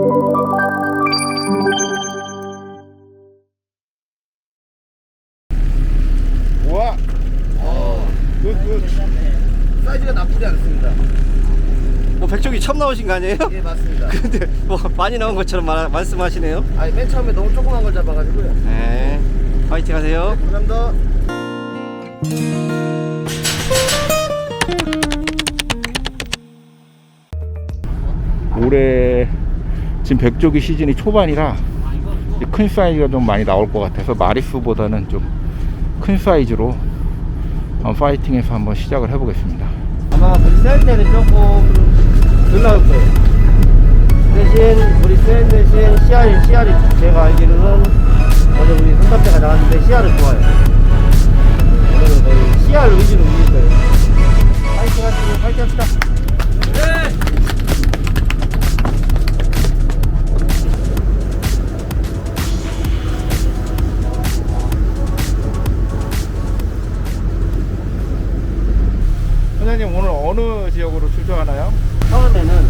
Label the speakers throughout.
Speaker 1: 우와. 굿. 사이즈가 나쁘지 않습니다.
Speaker 2: 뭐 백종이 처음 나오신 거 아니에요?
Speaker 1: 예, 맞습니다.
Speaker 2: 근데 뭐 많이 나온 것처럼 말씀하시네요.
Speaker 1: 아니, 맨 처음에 너무 조그만 걸 잡아가지고요.
Speaker 2: 네. 파이팅 하세요.
Speaker 1: 네, 감사합니다.
Speaker 3: 올해 지금 백조기 시즌이 초반이라 큰 사이즈가 좀 많이 나올 것 같아서 마리수보다는 좀 큰 사이즈로 파이팅해서 한번 시작을 해보겠습니다.
Speaker 2: 아마 우리 셀 때는 조금 덜 나올 거예요. 대신 우리 셀 대신 씨알이 제가 알기로는 어제 우리 손잡대가 나왔는데 씨알은 좋아요. 오늘은 거의 씨알 위주로 움직일 거예요. 파이팅 하시고 파이팅 합시다. 네.
Speaker 3: 선생님 오늘 어느 지역으로 출조하나요?
Speaker 2: 처음에는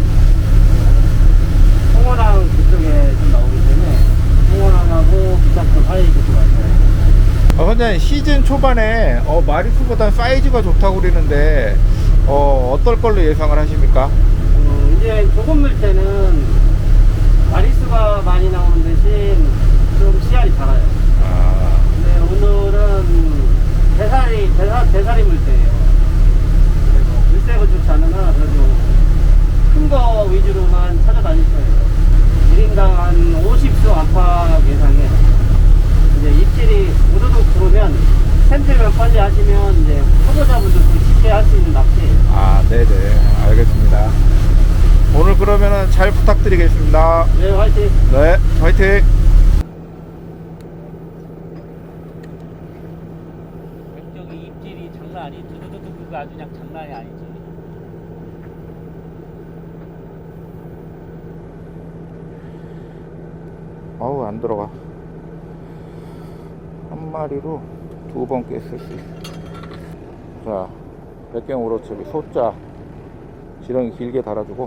Speaker 2: 홍어랑 그쪽에 좀 나오기 때문에 홍어랑하고 비작전 사이 그쪽 왔어요.
Speaker 3: 선생님 시즌 초반에 마리수보다 사이즈가 좋다고 그러는데 어떨 걸로 예상을 하십니까?
Speaker 2: 이제 조금 물 때는 마리수가 많이 나오는 대신 좀 씨알이 작아요. 근데 오늘은 대사리 물때예요. 물색은 좋지 않으나 그래도 큰 거 위주로만 찾아다닐 거예요. 1인당 한 50수 안팎 예상에 이제 입질이 우두둑 들어오면 샘플만 빨리 하시면 이제 초보자분들도 쉽게 할 수 있는 낚시예요.
Speaker 3: 네네 알겠습니다. 오늘 그러면은 잘 부탁드리겠습니다.
Speaker 2: 네, 화이팅!
Speaker 3: 네, 화이팅!
Speaker 4: 백적이 입질이 장난 아니, 두두두두가 아주 그냥 장난이 아니지.
Speaker 3: 어우 안 들어가. 한 마리로 2번 깼을 수 있어. 자, 백경 우로치기 소자 지렁이 길게 달아주고.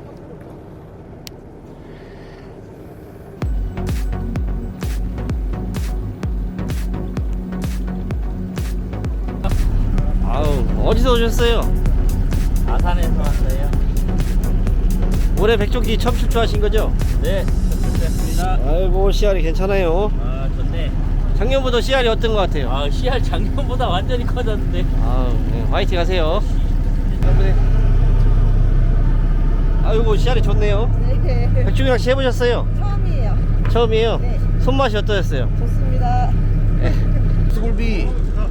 Speaker 2: 아우, 어디서 오셨어요?
Speaker 4: 아산에서 왔어요.
Speaker 2: 올해 백종기 처음 출조하신 거죠?
Speaker 4: 네, 좋습니다.
Speaker 2: 아이고, 씨알이 괜찮아요.
Speaker 4: 아, 좋네.
Speaker 2: 작년보다 씨알이 어떤 것 같아요?
Speaker 4: 아, 씨알 작년보다 완전히 커졌는데.
Speaker 2: 아우, 네, 화이팅 하세요. 아이고, 씨알이 좋네요.
Speaker 5: 네,
Speaker 2: 백종이 낚시 해보셨어요?
Speaker 5: 처음이에요.
Speaker 2: 처음이에요?
Speaker 5: 네.
Speaker 2: 손맛이 어떠셨어요?
Speaker 5: 좋습니다.
Speaker 1: 수굴비.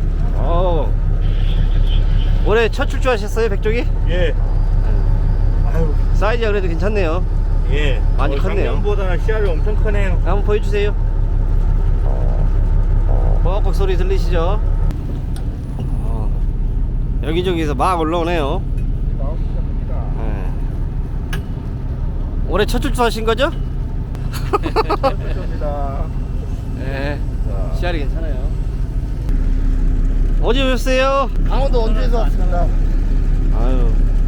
Speaker 2: 올해 첫 출조하셨어요, 백종이?
Speaker 3: 예.
Speaker 2: 사이즈가 그래도 괜찮네요.
Speaker 3: 예.
Speaker 2: 많이 컸네요.
Speaker 3: 작년보다는 씨알이 엄청 크네요.
Speaker 2: 한번 보여주세요. 뻑뻑 소리 들리시죠? 여기저기서 막 올라오네요. 네. 올해 첫 출조하신 거죠?
Speaker 3: 감사합니다.
Speaker 2: 네. 씨알이 괜찮아요. 어디 오셨어요?
Speaker 1: 강원도 원주에서 왔습니다.
Speaker 2: 아유.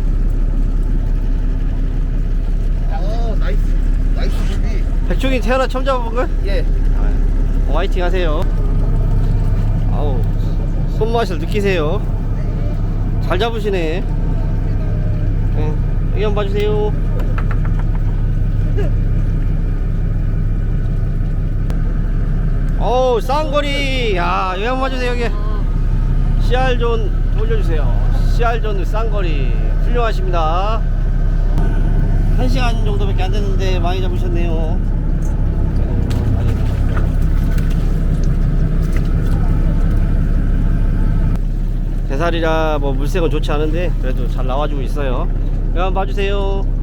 Speaker 1: 나이스 굴비.
Speaker 2: 백종이 태어나 처음 잡아본 걸?
Speaker 1: 예.
Speaker 2: 화이팅 하세요. 아우, 손맛을 느끼세요. 잘 잡으시네. 네, 여기 한번 봐주세요. 어우, 쌍거리. 야, 여기 한번 봐주세요. 여기 CR존 돌려주세요. CR존 쌍거리 훌륭하십니다. 1시간 정도밖에 안 됐는데 많이 잡으셨네요. 대살이라 뭐 물색은 좋지 않은데 그래도 잘 나와주고 있어요. 여기 한번 봐주세요.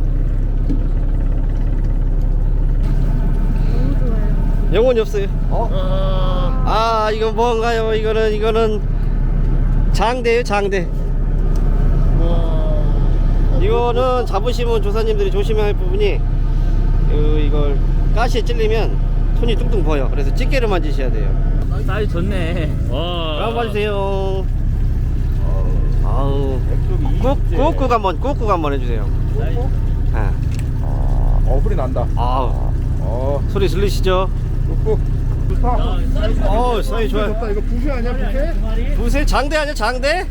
Speaker 5: 너무 좋아요.
Speaker 2: 영혼이 없어요. 아, 이건 뭔가요? 이거는 장대예요, 장대. 이거는 잡으시면 조사님들이 조심해야 할 부분이 이걸 가시에 찔리면 손이 뚱뚱 보여. 그래서 집게를 만지셔야 돼요.
Speaker 4: 사이즈 좋네.
Speaker 2: 한번 봐주세요. 아우, 꾹꾹 한번 해주세요.
Speaker 4: 사이즈.
Speaker 2: 아,
Speaker 3: 어불이 난다.
Speaker 2: 아우, 소리 들리시죠?
Speaker 1: 좋다.
Speaker 2: 사이즈 좋아요.
Speaker 1: 좋다. 이거 부시 아니야, 부시?
Speaker 2: 부세 장대 아니야, 장대?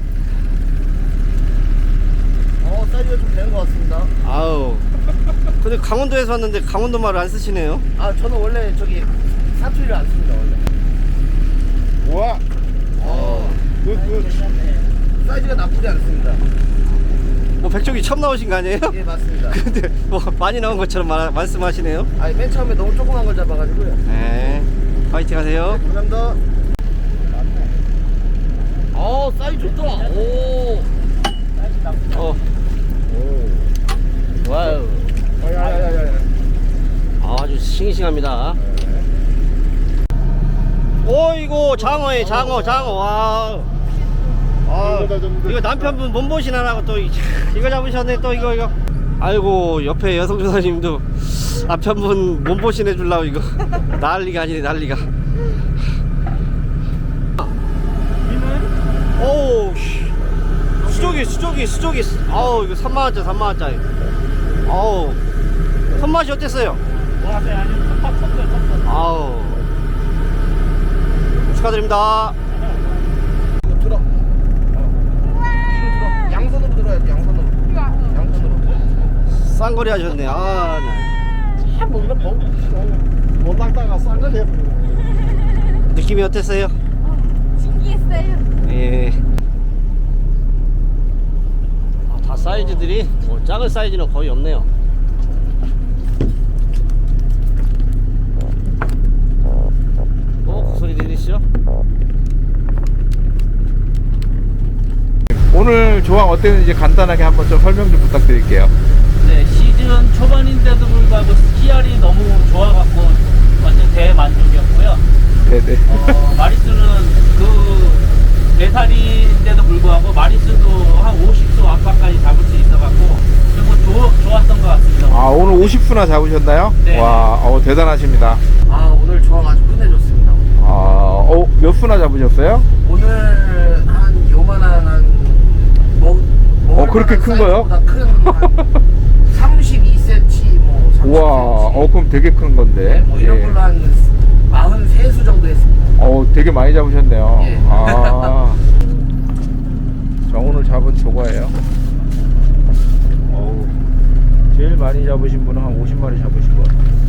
Speaker 1: 사이즈가 좀 되는 것 같습니다.
Speaker 2: 아우. 근데 강원도에서 왔는데 강원도 말을 안 쓰시네요.
Speaker 1: 아, 저는 원래 저기 사투리를 안 씁니다, 원래.
Speaker 3: 우와.
Speaker 1: 굿. 사이즈가 나쁘지 않습니다.
Speaker 2: 뭐 백종이 처음 나오신 거 아니에요?
Speaker 1: 예, 맞습니다.
Speaker 2: 근데 뭐 많이 나온 것처럼 말씀하시네요.
Speaker 1: 아니, 맨 처음에 너무 조그만 걸 잡아가지고요.
Speaker 2: 네. 파이팅 하세요.
Speaker 1: 감사합니다. 사이즈 좋다. 오.
Speaker 2: 와우.
Speaker 1: 야야야야.
Speaker 2: 아주 싱싱합니다. 오이고 장어에 장어. 와. 이거 남편분 몸보신하라고 또 이거 잡으셨네 또 이거. 아이고 옆에 여성 조사님도 남편분 몸보신 해주려고 이거 난리가 아니네 난리가. 오 수조기. 아우 이거 3만원짜리. 아우 손맛이 어땠어요? 아우 축하드립니다.
Speaker 1: 이거 들어. 양손으로 들어야지, 양손으로.
Speaker 2: 쌍거리 하셨네. 아, 네.
Speaker 1: 참, 뭐, 이런 못 닦다가 싼걸 해버리네.
Speaker 2: 느낌이 어땠어요?
Speaker 5: 신기했어요.
Speaker 2: 예. 다 사이즈들이 뭐 작은 사이즈는 거의 없네요. 소리 들리시죠?
Speaker 3: 오늘 조항 어땠는지 간단하게 한번 좀 설명 좀 부탁드릴게요.
Speaker 4: 네, 시즌 초반인데도 불구하고 CR이 너무 좋아갖고 완전 대만족이었고요.
Speaker 3: 네네.
Speaker 4: 마리수는 그 4살인데도 불구하고 마리수도 한 50수 안팎까지 잡을 수 있어갖고 그리고 좋았던 것 같습니다.
Speaker 3: 아, 오늘 50수나 잡으셨나요?
Speaker 4: 네.
Speaker 3: 와, 대단하십니다.
Speaker 1: 오늘 조항 아주 끝내줬습니다.
Speaker 3: 몇 수나 잡으셨어요?
Speaker 1: 오늘 한 요만한
Speaker 3: 그렇게 큰 거요?
Speaker 1: 큰 32cm 뭐 30cm.
Speaker 3: 우와, 그럼 되게 큰 건데.
Speaker 1: 뭐 이런
Speaker 3: 예.
Speaker 1: 걸로 한 43수 정도 했습니다.
Speaker 3: 되게 많이 잡으셨네요.
Speaker 1: 예.
Speaker 3: 자, 오늘 잡은 조과예요. 제일 많이 잡으신 분은 한 50마리 잡으신 것 같아요.